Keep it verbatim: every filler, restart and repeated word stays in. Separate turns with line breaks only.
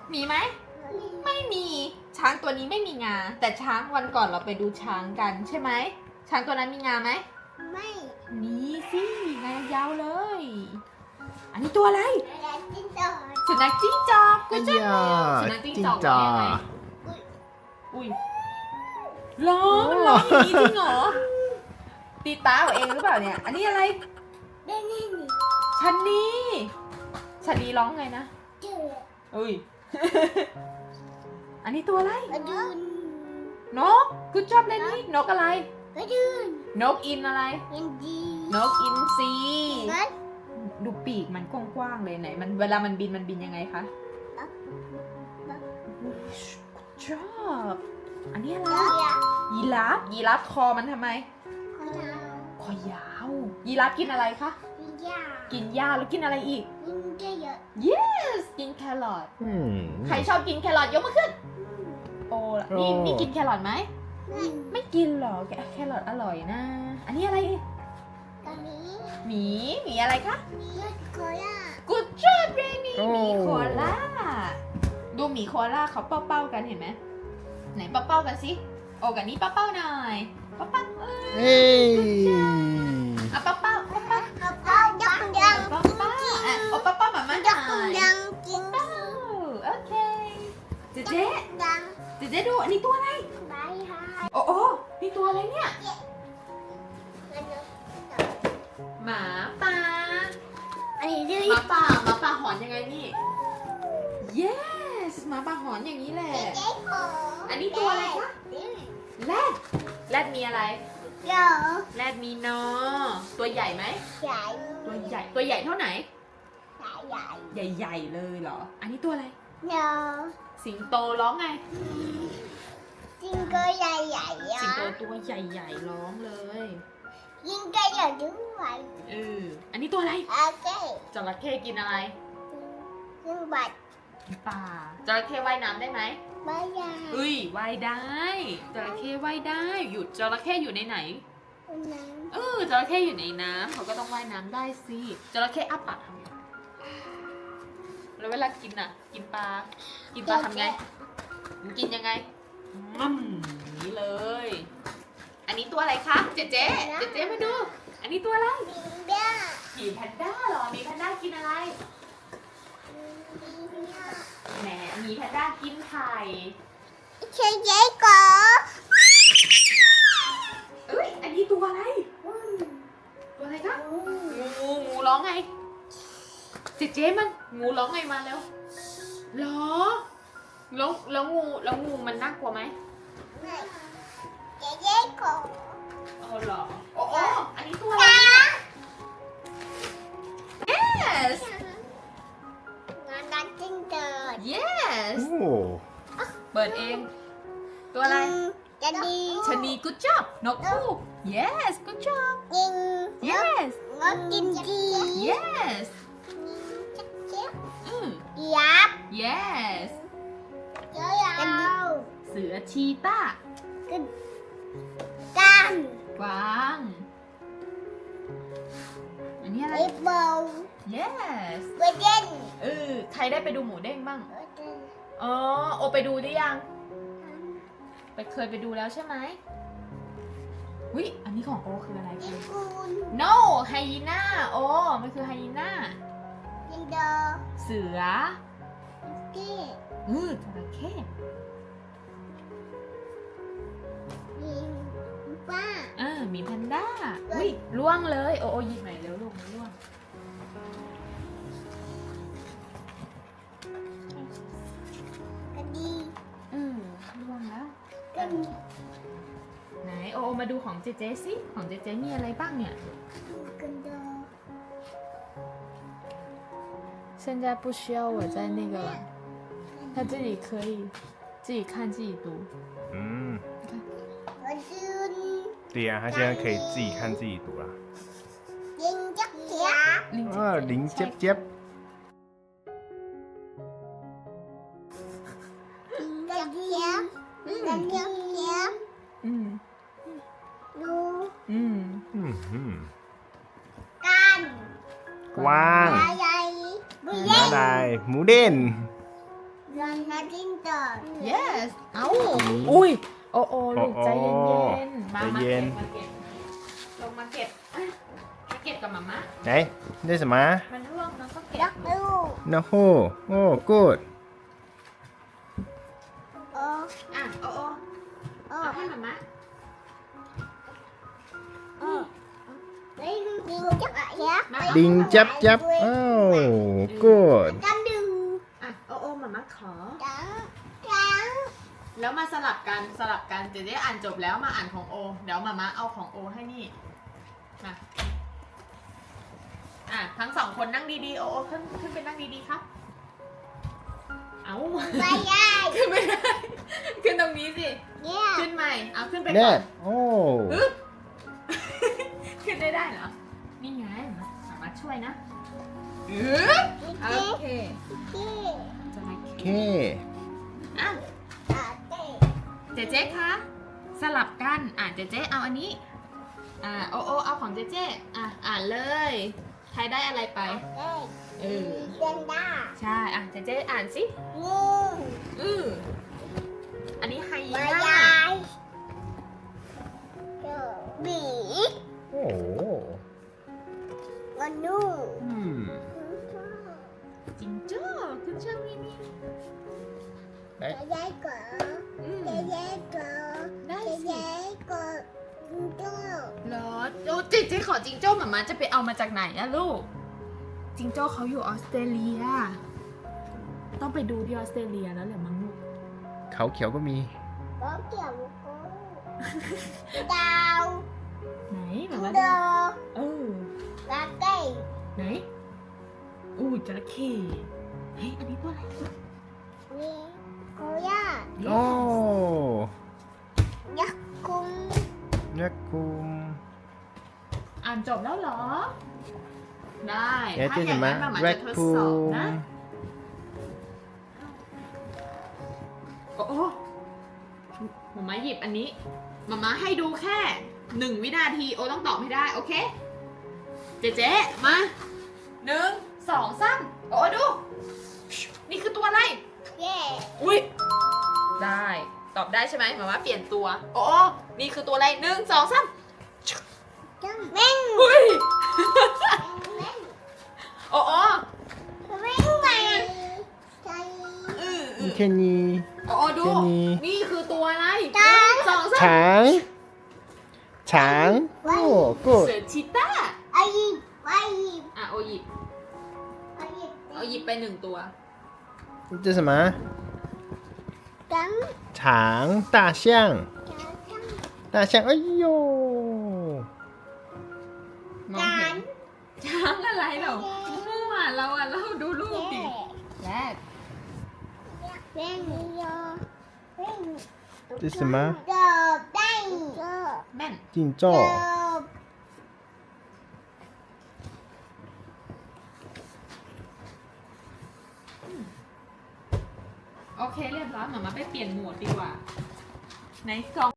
มีไหมไม่มีช้างตัวนี้ไม่มีงาแต่ช้างวันก่อนเราไปดูช้างกันใช่ไหมช้างตัวนั้นมีงาไหม
ไม่
มีสิงายาวเลย อันนี้ตัวอะไรสุนัขจิ้งจอกกูจะสุนัขจิ้งจอกว่ายังไงอุ้ยร้องมันร้องอย่างนี้จริงเหรอตีตาเอาเองหรือเปล่าเนี่ยอันนี้อะไร
ได้นี่นี่
ชันนีชันนีร้องไงนะ
เจอ
อุ้ย อันนี้ตัวอะไร
กระดุน
นกกูชอบเล่นนี่นกอะไร
กระดุน
นกอินอะไร
ยินดี
นกอินทรี
งั้น
ดูปีกมันกว้างๆเลยไหนมันเวลามันบินมันบินยังไงคะชอบอันนี้อะไร
เดี๋ยว
ยีราฟยีราฟคอมันทำไม
ขอดาว
คอยาวยีราฟกินอะไรคะ
ยิงยา
กินหญ้าแล้วกินอะไรอีก
ยิงเยอะ
yes กินแครอท
อืม
ใครชอบกินแครอทยกมือขึ้นโอ้ล่ะนี่
โอ้
นี่กินแครอทไหม
ไม่
ไม่กินหรอกแกแครอทอร่อยนะ อันนี้อะไร
ตอนนี้
หมีหมีอะไรคะ
ยืดโคล่า
Good job เรนี่หมีโคอาล่าดูหมีโคอาล่าเขาเป้าๆกันเห็นไหมไหนเป้าๆกันสิโอ้กันนี้เป้าๆหน่อยเป้าๆเออ
เฮ้ย
เอาเป้าๆเป้าๆ
เอาเอายังยัง
เป้าๆอ่ะเอาเป้าๆมามาห
ยั
น่
ง
อย
ยังกิน
เป้าโอเคเจ๊เจ๊
ยัง
เจ๊เจ๊ดูอันนี้ตัวอะไร
บายฮาย
โอ้โอ้นี่ตัวอะไรเนี่ยหมาป่า
อันนี้ดื้อ
หมาป่าหมาป่าหอนยังไงนี่ yes หมาป่าหอนอย่างนี้แหละ
เจ๊ขอ
อันนี้ตัวอะไรคะ แรดแรดมีอะไร
เดี๋ยว
แรดมีนอตัวใหญ่ไหม
ใหญ่
ตัวใหญ่ตัวใหญ่เท่าไหน
ใหญ่ใหญ่
ใหญ่ๆเลยเหรอ อันนี้ตัวอะไร
เดี๋ยว
สิงโตร้องไง
จิงก็ใหญ่ใหญ่
สิง
อะ
โตตัวใหญ่ๆร้องเลย
ยิงก็ใหญ่ด้วย
เอออันนี้ตัวอะไร
โอเค
จระเข้กินอะไร
ยิงบัตร
ป่าจระเข้ว่ายน้ำได้ไหม
ไม่ใหญ่
เฮ้ยว่ายได้จระเข้ว่ายได้หยุดจระเข้อยู่ในไหน
น้
เออจระเข้อยู่ในน้ำเขาก็ต้องว่ายน้ำได้สิจระเข้อ้าปากทำไงแล้วเวลากินอ่ะ กินปลา กินปลาทำไงมันกินยังไงมั่มอย่างนี้เลย อันนี้ตัวอะไรคะเจ๊เจ๊เจ๊เจ๊มาดู อันนี้ตัวอะไร
ำยิงเบี้ย
หมีแพนด้าเหรอหมีแพนด้ากินอะไร แหมหมีแพนด้ากินไข่
เชยเจ๊ก่อ
เอ้ยอันนี้ตัวอะไร ตัวอะไรคะงูงูร้องไงเจ๊เจ๊มันงูร้องไงมาแล้วเหรอแล้วแล้วงูแล้วงูมันน่ากลัวไหม
เจ๊เจ๊ก่อ
อ๋อเหรอโอ้โอ้อันนี้ตัวอะไร yes
งานดันจิ้งเกิด
yes
โอ้
เปิดเอง ตัวอะไร
จะดี
ชะนี good job นกคู่ yes good job
ยิง
yes
งดกินดี
yes
เจ๊
อืม
ยับ
yes
เจ้ายาว
เสือชีต้า
กันกัน
กวาง อันนี้อะไร
ไอ้เบา
yes
เวเดน
เออใครได้ไปดูหมูเด้งบ้าง อ๋อ โอไปดูได้ยัง ไปเคยไปดูแล้วใช่ไหมวิอันนี้ของโอคืออะไร
ยิ
คื
ง
อ
คูน
no ไฮยีน่าโอมันคือไฮยีน่า
ยิงเดอ
เสือ
เก้
เออจระเข้
ยิงป้า
เออมีแพนด้าอุ้ยล่วงเลย โอโอหยิบหน่อยเร็วลูกมันล่วง
กันดี
เออล่วงแล้ว
กัน
ไหนโอโอมาดูของเจเจสิของเจเจมีอะไรบ้างเนี่ย
กันเดอ
现在不需要我在那个了，他自己可以自己看自己读。
嗯，
กันยืน
对呀、他现在可以自己看自己读啦。
ยิงจักเขีย
啊，林接接，
กันเขียกันเขียเขีย
嗯
ดู
嗯，
嗯嗯，
กัน
กว้าง
ใหญ่ใหญ่บุเล่
ม้าลายหมูเด่น
บ Rồi nó tin rồi.
yes เอ้าอุ้ยโอโอลูกใจเย็นๆมา
ใจ
มา
เย็
เก็
น
บมาเก็บลงมาเก็บอ่ะมาเก็บกับหมาม่า
ไหนได้什么
มันร่วงแล้วก็เก็บ
Đất đu.
นะโฮโอ้ good
Ờ.
อ่ะโอโอเอา
Ờ.
ให้หมาม่า
Ờ. Lấy đi chắc chắn.
มา
ลิงจับจับโอ้ good
Cắm đường.
อ่ะโอโอหมาม่าขอ
Trắng. Trắng.
แล้วมาสลับกันสลับกันเดี๋ยวได้อ่านจบแล้วมาอ่านของโอ เดี๋ยวมาม่าเอาของโอให้นี่มาอ่ะทั้งสองคนนั่งดีๆโอโอขึ้นขึ้นไปนั่งดีๆครับ เอา
Bay dai.
ขึ้นไม่ได้ขึ้นตรงนี้สิ
Yeah.
ขึ้นใหม่เอาขึ้นไปก่
แน่
อน
โอ้
ฮึบ ขึ้นได้ได้เหรอ นี่ไงมามาช่วยนะฮึบโอเค
Yeah.
จะมา
โอเค
อ่ะ
À, đây.
เจเจ๊คะสลับกันอ่านเจเจ๊เอาอันนี้อ่าโอโอเอาของเจเจ๊อ่ะอ่านเลยใครได้อะไรไป
Đây.
เออ
Trên đó.
ใช่อ่ะเจเจ๊อ่านสิ
Nương.
อืออันนี้ไฮยี
Bay
น่า
dai. Rồi. Bỉ.
โอ้
Con nu.
อืม
จิงโจ้คุณช่างมิมิ
เอ๊ะ
Cái giấy cỡ.
อืม
Cái giấy cỡ.
ได้
Cái
สิ
giấy cỡ. Cho.
เหรอโอ้เจเจ๊ขอจิงโจ้หมามาจะไปเอามาจากไหนอะลูก จิงโจ้เขาอยู่ออสเตรเลีย ต้องไปดูที่ออสเตรเลียแล้วแหละมั้งลูก
เขาเขียวก็มี
Có kiểu một cô. Đào.
ไหนหมามา
Đờ.
เออ
Lá cây.
ไหนอู้จระเข้เฮ้ยอันนี้ตัวอะไร
Nè. Cô ya.
โอ้
Nhắc cung.
ยักษ์คุม
อ่านจบแล้วเหรอ ได้
เอ๊ะ
ถ้า
ที่
อ
ไหน
ย่าง
มา
นั้นหมามา
แร
จะ
ค
ทด
คู
สอบ
ม
นะ โอ้โอ้หมามาหยิบอันนี้หมามาให้ดูแค่หนึ่งวินาที โอต้องตอบให้ได้ โอเค เจ๊เจ๊มาหนึ่งสองสามโอ้ดู นี่คือตัวอะไร
Yeah.
อุ้ยได้ ตอบได้ใช่ไหมหมามาเปลี่ยนตัว โอ้นี่คือตัวอะไรหนึ่งสองสาม
Mèn.
อุ้ย
Mèn.
โอ้โอ้
Mèn này. Cây.
อืออือ
แค่นี้
โอ้โอ้ดู
แค่นี้
นี่คือตัวอะไร
ช้าง
หนึ่สองสาม
ช้างช้างโอ้ good
เสือชีต้า
Ai gì? Ai gì?
อ่ะโอหยิบ
Ai gì?
เอาหยิบไปหนึ่งตัว
这是什么
Trắng.
长大象
Trắng.
大象哎呦
มองเห็น ช้างอะไรเหรอมั่วเราอ่ะเราดูรูปดิ
Yeah.
แรก
Mèn vô. Mèn.
这是什么
Đồ đây. Đồ.
แม่น
金钟
Đồ.
โอเคเรียบร้อยหมามาไปเปลี่ยนโหมดดีกว่าไหนกล่อง